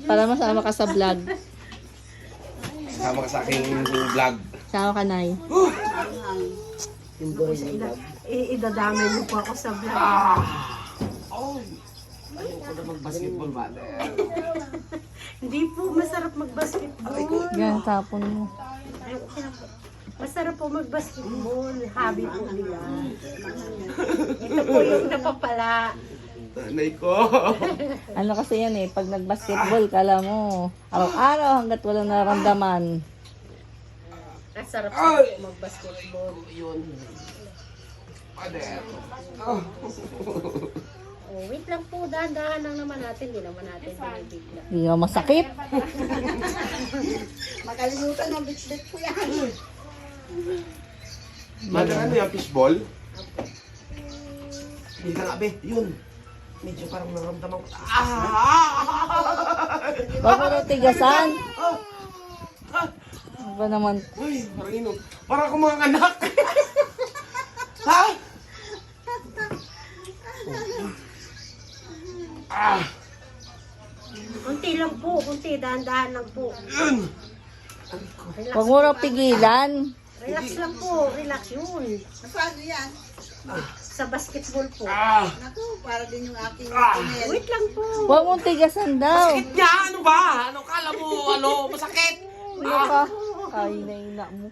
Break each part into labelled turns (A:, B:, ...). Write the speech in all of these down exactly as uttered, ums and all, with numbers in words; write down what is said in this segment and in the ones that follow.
A: Para masama ka sa vlog.
B: Sama ka sa aking vlog.
A: Sama ka, Nay.
C: I- idadamay mo po ako sa vlog.
B: Oh! Ayoko na mag-basketball, mother.
C: Hindi po masarap mag-basketball.
A: Yan, tapon mo.
C: Ay, okay lang po. Masarap po mag-basketball. Hobby po nila. Ito po yung napapala.
B: Nanay ko.
A: Ano kasi yan eh, pag nag-basketball, kala mo, araw-araw hanggat walang naramdaman.
C: Ang sarap po mag-basketball.
B: Yun. Mother. Oh.
C: Oh, wait lang po, dahan-dahan lang naman natin. Hindi naman natin binibigla.
A: Hindi nga masakit.
C: Makalimutan ng bitlet po yan.
B: Mother, ano yung fishball? Hindi ka nga, be. Yun. Medyo parang naramdaman ko. Ah!
A: Huwag mo nang tigasan. Ano ba naman?
B: Uy, parang inom. Parang ako mga anak. Ha? Ah!
C: Kunti lang po, kunti. Dahan-dahan lang po.
B: Yun!
C: Relax,
A: Huwag mo nang pigilan.
C: relax lang po. Relax yun.
D: Paano yan?
C: Sa basketball po.
B: Ah!
D: Naku, para din yung aking
B: Ah!
D: email.
C: Wait lang po.
A: Huwag mong tigasan daw.
B: Sakit niya! Ano ba? Ano kala mo? Ano? Masakit?
A: Kuya ka. Ay, naina mo.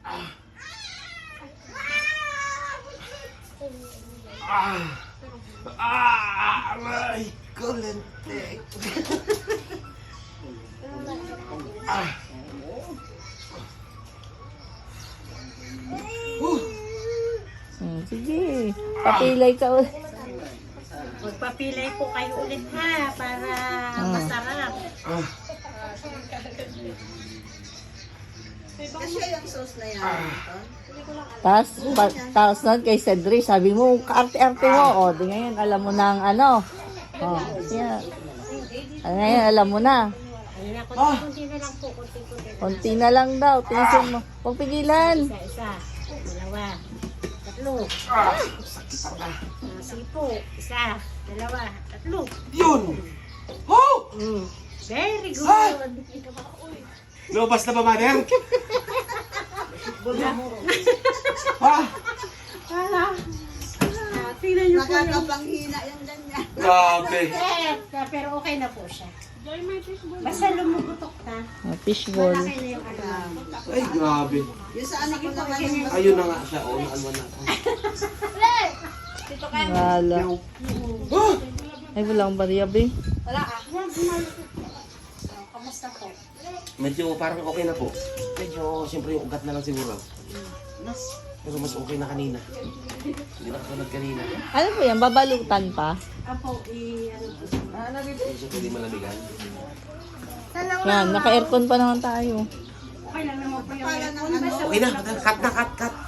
B: Ah! Ah! Aray! Kulentek! Ah! Uh!
A: Hmm, sige. Papilay ka ulit.
C: Magpapilay po kayo ulit ha. Para
A: Ah.
C: masarap.
B: Ah!
D: Kasi yung sauce na yan. Anton.
A: Tapos, pa- tapos nun kay Cedric, sabi mo, kaarte-arte mo. O, di ngayon, alam mo na ang ano. O, yeah. Ah, ngayon, alam mo na.
C: Ayun na, kunti-kunti na lang po. Kunti-kunti.
A: Konti na lang daw. Tinisin mo. Huwag pigilan.
C: Isa-isa. Dalawa. Tatlo.
B: Ah! Sakit ang ah!
C: Ah, sige po. Isa. Dalawa. Tatlo.
B: Yun! Oh!
C: Mm. Very good.
B: Ah! Lumabas na ba, mother? Ha?
C: Ah, tingnan niyo po yung...
D: Nakakapanghina yung ganyan.
B: Grabe!
C: Eh, pero okay na po siya. Basta lumugutok na.
A: Ah, fishball.
C: Malaki na yung ano.
B: Ay, grabe.
D: Yung sa anak ko naman yung
B: Ayun na nga siya. Oo, naalwan na ako.
A: Wala.
B: Ah!
A: Ay, wala akong bariyabe.
C: Kamusta po?
B: Medyo parang okay na po. Medyo, siyempre yung ugat na lang siguro. Pero mas okay na kanina. Hindi na katulad kanina.
A: Ano po yan? Babalutan pa?
C: Apo, i... Ano po?
B: Medyo hindi malamigan.
A: Yan, naka-aircon pa naman tayo.
C: Okay lang naman po yung
D: pala ng
C: aircon. Basta
B: Okay na, cut na, cut, cut.